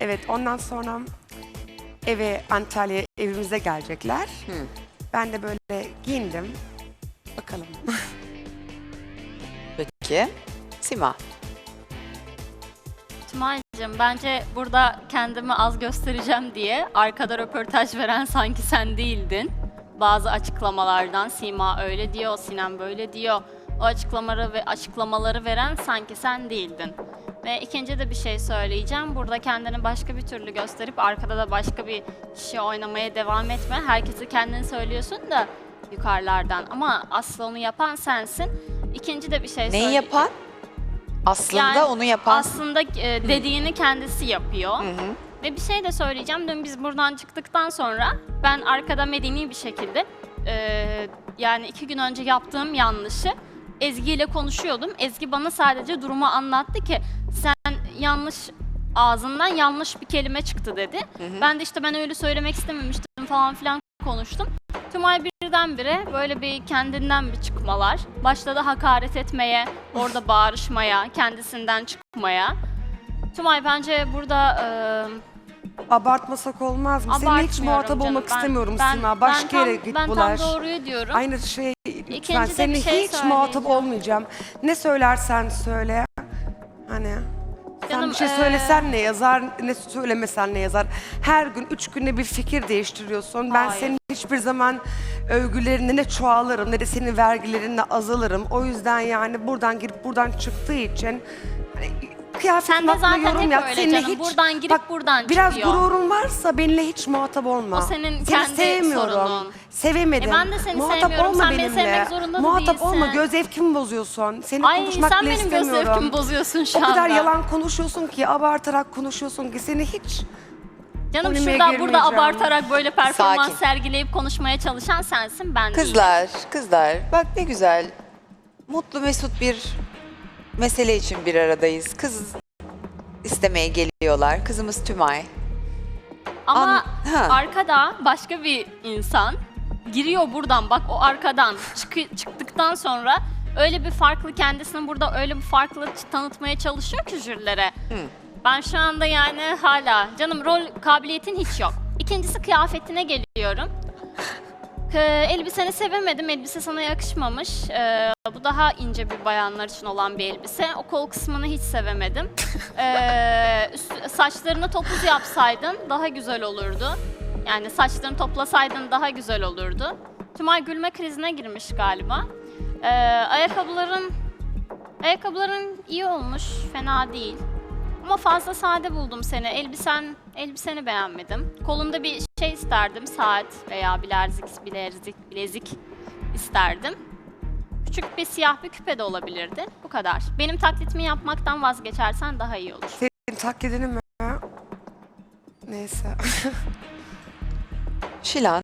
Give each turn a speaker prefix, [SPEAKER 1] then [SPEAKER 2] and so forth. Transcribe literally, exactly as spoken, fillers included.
[SPEAKER 1] Evet, ondan sonra eve, Antalya evimize gelecekler.
[SPEAKER 2] Hı.
[SPEAKER 1] Ben de böyle giyindim. Bakalım.
[SPEAKER 2] Peki. Sima.
[SPEAKER 3] Tümay'cığım bence burada kendimi az göstereceğim diye arkada röportaj veren sanki sen değildin. Bazı açıklamalardan Sima öyle diyor, Sinem böyle diyor. O açıklamaları ve açıklamaları veren sanki sen değildin. Ve ikinci de bir şey söyleyeceğim. Burada kendini başka bir türlü gösterip arkada da başka bir kişi oynamaya devam etme. Herkesi kendini söylüyorsun da yukarılardan. Ama aslı onu yapan sensin. İkinci de bir şey
[SPEAKER 2] Neyi
[SPEAKER 3] söyleyeceğim.
[SPEAKER 2] yapan? Aslında
[SPEAKER 3] Yani
[SPEAKER 2] onu yapan.
[SPEAKER 3] Aslında e, dediğini kendisi yapıyor.
[SPEAKER 2] Hı hı.
[SPEAKER 3] Ve bir şey de söyleyeceğim. Dün biz buradan çıktıktan sonra ben arkada medeni bir şekilde e, yani iki gün önce yaptığım yanlışı Ezgi ile konuşuyordum. Ezgi bana sadece durumu anlattı ki sen yanlış ağzından yanlış bir kelime çıktı dedi.
[SPEAKER 2] Hı hı.
[SPEAKER 3] Ben de işte ben öyle söylemek istememiştim falan filan konuştum. Tümay birdenbire böyle bir kendinden bir çıkmalar. Başladı hakaret etmeye, orada bağırışmaya, kendisinden çıkmaya. Tümay bence burada e,
[SPEAKER 1] Abartmasak olmaz mı? Seninle hiç
[SPEAKER 3] abartmıyorum
[SPEAKER 1] muhatap
[SPEAKER 3] canım.
[SPEAKER 1] olmak
[SPEAKER 3] Ben-
[SPEAKER 1] istemiyorum
[SPEAKER 3] ben-
[SPEAKER 1] Sima. Başka
[SPEAKER 3] ben
[SPEAKER 1] yere
[SPEAKER 3] tam-
[SPEAKER 1] git
[SPEAKER 3] Ben
[SPEAKER 1] bulaş.
[SPEAKER 3] tam doğruyu diyorum.
[SPEAKER 1] Aynı şey lütfen.
[SPEAKER 3] İkinci de bir
[SPEAKER 1] Seninle
[SPEAKER 3] şey
[SPEAKER 1] hiç muhatap
[SPEAKER 3] söyleyeceğim.
[SPEAKER 1] olmayacağım. Ne söylersen söyle. Hani sen
[SPEAKER 3] Canım,
[SPEAKER 1] bir şey
[SPEAKER 3] eee,
[SPEAKER 1] söylesen ne yazar, ne söylemesen ne yazar. Her gün, üç günde bir fikir değiştiriyorsun. Ben
[SPEAKER 3] Hayır.
[SPEAKER 1] senin hiçbir zaman övgülerine ne çoğalırım ne de senin vergilerinle azalırım. O yüzden yani buradan girip buradan çıktığı için hani, kıyafetin
[SPEAKER 3] Sen de
[SPEAKER 1] hakkında
[SPEAKER 3] zaten
[SPEAKER 1] yorum
[SPEAKER 3] hep
[SPEAKER 1] yap.
[SPEAKER 3] öyle
[SPEAKER 1] Seninle
[SPEAKER 3] canım. Buradan girip buradan
[SPEAKER 1] biraz
[SPEAKER 3] çıkıyor.
[SPEAKER 1] gururun varsa benimle hiç muhatap olma.
[SPEAKER 3] O senin
[SPEAKER 1] Seni
[SPEAKER 3] kendi
[SPEAKER 1] sevmiyorum.
[SPEAKER 3] sorunun.
[SPEAKER 1] Sevemedim.
[SPEAKER 3] E ben de seni
[SPEAKER 1] muhatap
[SPEAKER 3] sevmiyorum.
[SPEAKER 1] olma
[SPEAKER 3] Sen beni
[SPEAKER 1] benimle.
[SPEAKER 3] sevmek zorunda da
[SPEAKER 1] Muhatap
[SPEAKER 3] değilsin.
[SPEAKER 1] olma. Göz zevkimi bozuyorsun. Seni
[SPEAKER 3] Ay
[SPEAKER 1] konuşmak
[SPEAKER 3] sen
[SPEAKER 1] bile
[SPEAKER 3] benim göz
[SPEAKER 1] istemiyorum.
[SPEAKER 3] zevkimi bozuyorsun şu
[SPEAKER 1] O kadar
[SPEAKER 3] anda.
[SPEAKER 1] yalan konuşuyorsun ki, abartarak konuşuyorsun ki seni hiç...
[SPEAKER 3] Canım
[SPEAKER 1] Polemiğe
[SPEAKER 3] şurada burada
[SPEAKER 1] girmeyeceğim.
[SPEAKER 3] abartarak böyle performans
[SPEAKER 2] Sakin.
[SPEAKER 3] sergileyip konuşmaya çalışan sensin, ben değilim.
[SPEAKER 2] Kızlar, kızlar. Bak ne güzel. Mutlu mesut bir mesele için bir aradayız. Kız istemeye geliyorlar. Kızımız Tümay.
[SPEAKER 3] Ama
[SPEAKER 2] An- ha.
[SPEAKER 3] arkada başka bir insan giriyor buradan, bak o arkadan çıkı- çıktıktan sonra öyle bir farklı kendisini burada öyle bir farklı tanıtmaya çalışıyor ki jürilere.
[SPEAKER 2] Hı.
[SPEAKER 3] Ben şu anda yani hala canım rol kabiliyetin hiç yok. İkincisi kıyafetine geliyorum. K- elbiseni sevemedim. Elbise sana yakışmamış. Ee, bu daha ince bir bayanlar için olan bir elbise. O kol kısmını hiç sevemedim. Ee, üst- saçlarını topuz yapsaydın daha güzel olurdu. Yani saçlarını toplasaydın daha güzel olurdu. Tümay gülme krizine girmiş galiba. Ee, ayakkabıların ayakkabıların iyi olmuş. Fena değil. Ama fazla sade buldum seni. Elbisen, elbiseni beğenmedim. Kolunda bir şey isterdim. Saat veya bilezik, bilezik, bilezik isterdim. Küçük bir siyah bir küpe de olabilirdi. Bu kadar. Benim taklitimi yapmaktan vazgeçersen daha iyi olur.
[SPEAKER 1] Senin taklidini mi? Neyse.
[SPEAKER 2] Şilan.